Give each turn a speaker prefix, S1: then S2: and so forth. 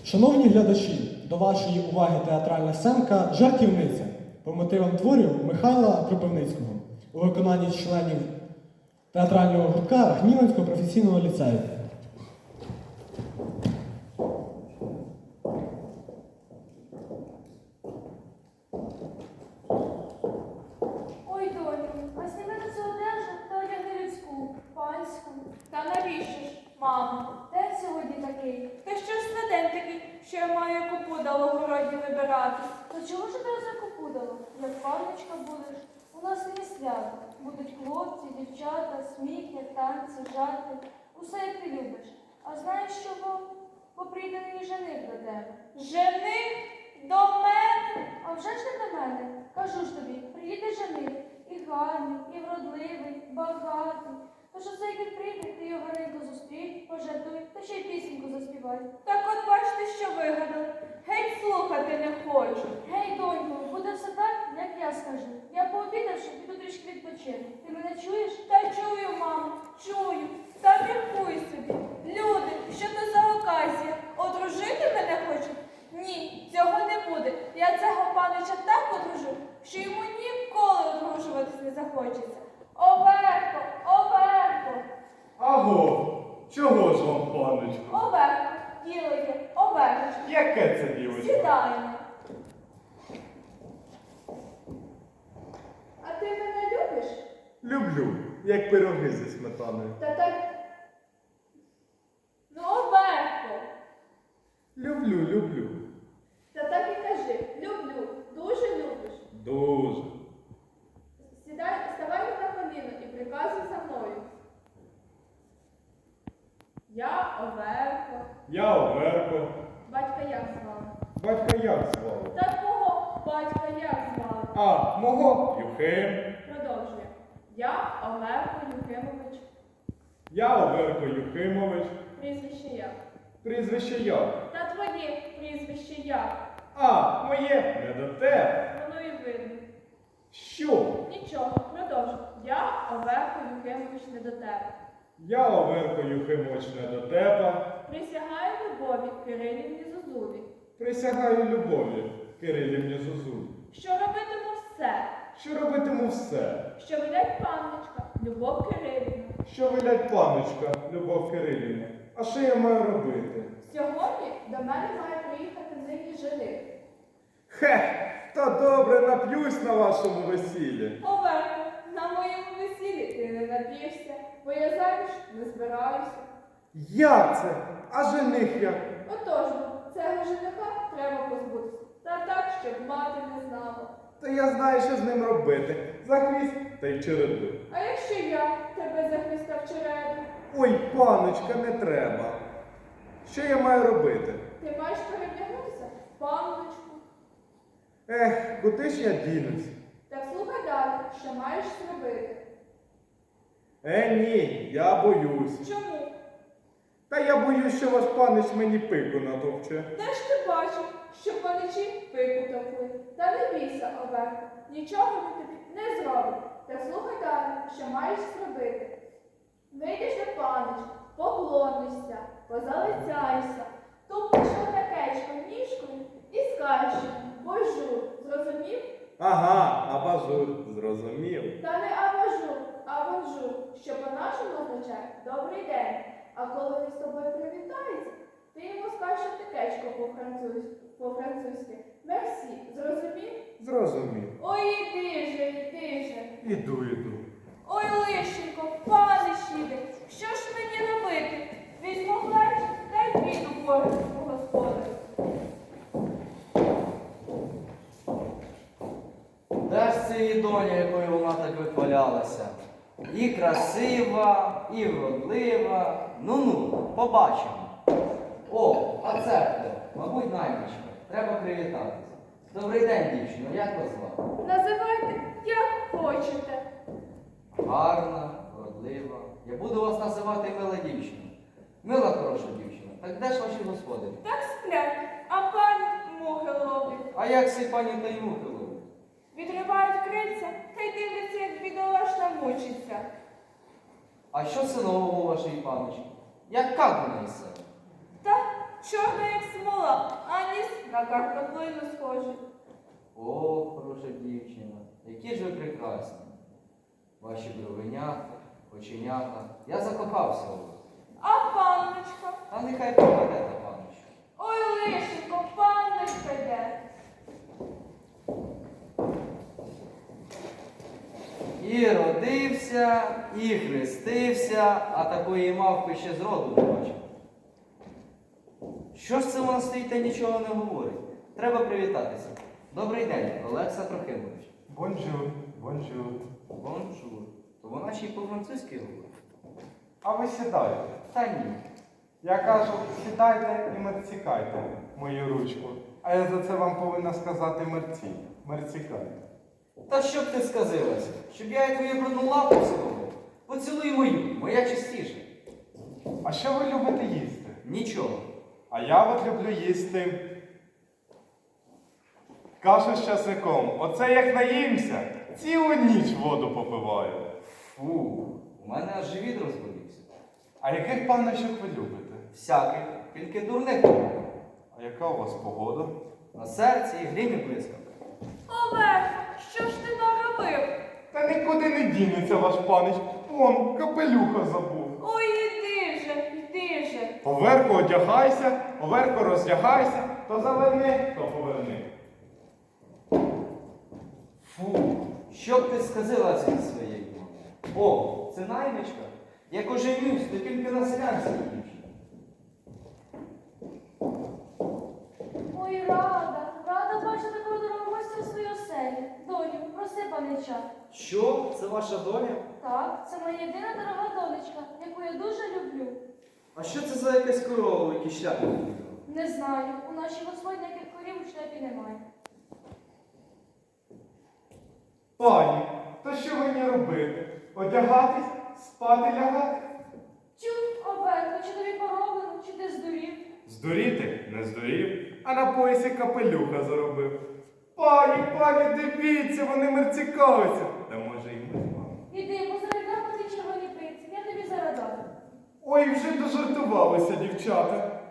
S1: Шановні глядачі, до вашої уваги театральна сценка «Жартівниця» по мотивам творів Михайла Кропивницького у виконанні членів театрального гуртка Гніванського професійного ліцею.
S2: Ой, доню, а зніми на цю одежу та одягни людську, панську.
S3: Та навіщо ж, мамо?
S2: День сьогодні такий.
S3: Та що ж за день такий, що я маю яку подало в городі вибирати?
S2: То чого ж тебе закопудало? Як панночка будеш? У нас не свято. Будуть хлопці, дівчата, сміхи, танці, жарти. Усе, як ти любиш. А знаєш чого? Бо прийде нині жених до тебе.
S3: Жених до мене?
S2: А вже ж не до мене. Кажу ж тобі, приїде жених. І гарний, і вродливий, багатий. Тож усе, як він прийде, ти його гарненько зустрій, пожартуй, та ще й пісеньку заспівай.
S3: Так от бачите, що вигадали. Геть слухати не хочу.
S2: Гей, донько, буде все так, як я скажу. Я пообідавши, піду трішки відпочину. Ти мене чуєш?
S3: Та чую, мамо, чую. Та міркуй собі. Люди, що це за оказія? Одружити мене хочуть? Ні, цього не буде. Я цього панича так одружу, що йому ніколи одружуватись не захочеться. Оверко, Оверко,
S4: Аго, чого ж вам, паночку?
S3: Оверко, діло є, Оверко.
S4: Яке це дівочка?
S3: Сідаємо. А ти мене любиш?
S4: Люблю, як пироги зі сметаною.
S3: Та так. Ну, Оверко.
S4: Люблю, люблю.
S3: Та так і кажи. Люблю. Дуже любиш.
S4: Дуже.
S3: Ставай на коліно і приказуй за мною. Я Оверко.
S4: Я Оверко.
S3: Батька як звали?
S4: Батька як звали?
S3: Та твого батька як звали?
S4: А, мого Юхим.
S3: Продовжує. Я Оверко Юхимович.
S4: Я Оверко Юхимович.
S3: Прізвище як?
S4: Прізвище як?
S3: Та твоє прізвище як?
S4: А, моє не до тебе.
S3: Воно і видно.
S4: Що?
S3: Нічого, продовжуй. Я Оверко Юхимович не до тебе.
S4: Я Оверко Юхимович не до тебе.
S3: Присягаю любові Кирилівні Зозулі,
S4: Присягаю любові Кирилівні Зозулі.
S3: що робитиму все,
S4: Що робитиму все,
S3: що велять панночка Любов Кирилівна.
S4: що велять паночка Любов Кирилівна. А що я маю робити?
S3: Сьогодні до мене має приїхати нині жених.
S4: Хе, та добре нап'юсь на вашому весіллі.
S3: Оверко, на моєму весіллі ти не нап'єшся, бо я заміж не збираюся.
S4: Як це? А жених як?
S3: Отож, цього жениха треба позбутися. Та так, щоб мати не знала.
S4: Та я знаю, що з ним робити. За хвіст та й череду.
S3: А якщо я тебе захистав череду,
S4: Ой, паночка, не треба. Що я маю робити?
S3: ти маєш перевдягнутися в панночку.
S4: Ех, куди ж я дінусь?
S3: Так слухай далі, що маєш зробити.
S4: Ні, я боюсь.
S3: Чому?
S4: Та я боюсь, що ваш панич мені пику натовче.
S3: Де ж ти бачив, що паничі пику товкли? Та не бійся, Оверко, нічого він тобі не зробить. Так слухай далі, що маєш зробити. Вийдеш до панича, поклонишся, позалицяйся, тупнеш отакечко ніжкою і скажеш йому «божур», зрозумів?
S4: Ага, абажур, зрозумів.
S3: Та не абажур, а бонжур, що по-нашому означає «добрий день». А коли він з тобою привітається, ти йому скажеш отакечко по-французьки «мерсі», зрозумів?
S4: Зрозумів.
S3: Ой, іди же, іди же.
S4: Іду, іду.
S3: Ой, лишенько, панич іде, що ж мені робити? Візьму плеч та й піду по господарю.
S5: Де ж це її доня, якою вона так вихвалялася? І красива, і вродлива. Ну-ну, побачимо. О, а це хто? Мабуть, наймичка. Треба привітатися. Добрий день, дівчино, як вас звати?
S3: Називайте, як хочете.
S5: Гарна, вродлива. Я буду вас називати мила дівчина. Мила хороша дівчина. Так де ж ваші господарі?
S3: Так сплять, а пані мухи ловлять.
S5: А як всі пані та й мухи ловлять?
S3: Відривають крильця та й дивляться, як бідолашна мучиться.
S5: А що це нового у вашій паночки? Яка вона із себе?
S3: Та чорна, як смола, а ніс на картоплину схожий.
S5: О, хороша дівчина, які ж ви прекрасні. Ваші бровенята, оченята. Я закохався у вас.
S3: А панночка?
S5: А нехай пропаде та панночка.
S3: Ой, лишенько, панночка йде.
S5: І родився, і хрестився, а такої мавпи ще зроду не бачив. Що ж це вона стоїть та нічого не говорить? Треба привітатися. Добрий день, Олекса Трохимович.
S6: Бонжур, бонжур.
S5: Бонжур. То вона ще й по-французьки говорить?
S6: А ви сідайте.
S5: Та ні.
S6: Я кажу, сідайте і мерцікайте мою ручку. А я за це вам повинна сказати мерці. Мерцікайте.
S5: Та що б ти сказилася? Щоб я і твою брудну лапу цілував? Поцілуй мою, моя чистіша.
S6: А що ви любите їсти?
S5: Нічого.
S6: А я от люблю їсти кашу з часником. Оце як наїмся, цілу ніч воду попиваю.
S5: Фу, у мене аж живіт розболівся.
S6: А яких панночок ви любите?
S5: Всяких, тільки дурних.
S6: А яка у вас погода?
S5: На серці і грім і блискавка.
S3: Оверко, що ж ти наробив?
S6: Та нікуди не дінеться ваш панич. Вон, капелюха забув.
S3: Ой, іди же, іди же.
S6: Оверко одягайся, оверко роздягайся, то заверни, то поверни.
S5: Фу, що б ти сказала цій своєї мамі? О, це наймичка. Як оженюсь, то тільки на селянській дівчині.
S2: Ой, рада бачити такого дорогого гостя в своїй оселі. Доню, проси панича.
S5: Що? Це ваша доля?
S2: Так, це моя єдина дорога донечка, яку я дуже люблю.
S5: А що це за якась корова, в якій шляпі?
S2: Не знаю, у нашій господні яких корів у шляпі немає.
S6: Пані, то що мені робити? Одягатись, спати лягати?
S2: Чу, Оверко, чи тобі пороблено, чи ти здурів?
S6: Здуріти? Не здурів, а на поясі капелюха заробив. Пані, дивіться, вони мерцікаються. Та може і ми з вами.
S2: Іди, позарядав на ті червоні пиці, я тобі зарадаю.
S6: Ой, вже дожартувалися, дівчата.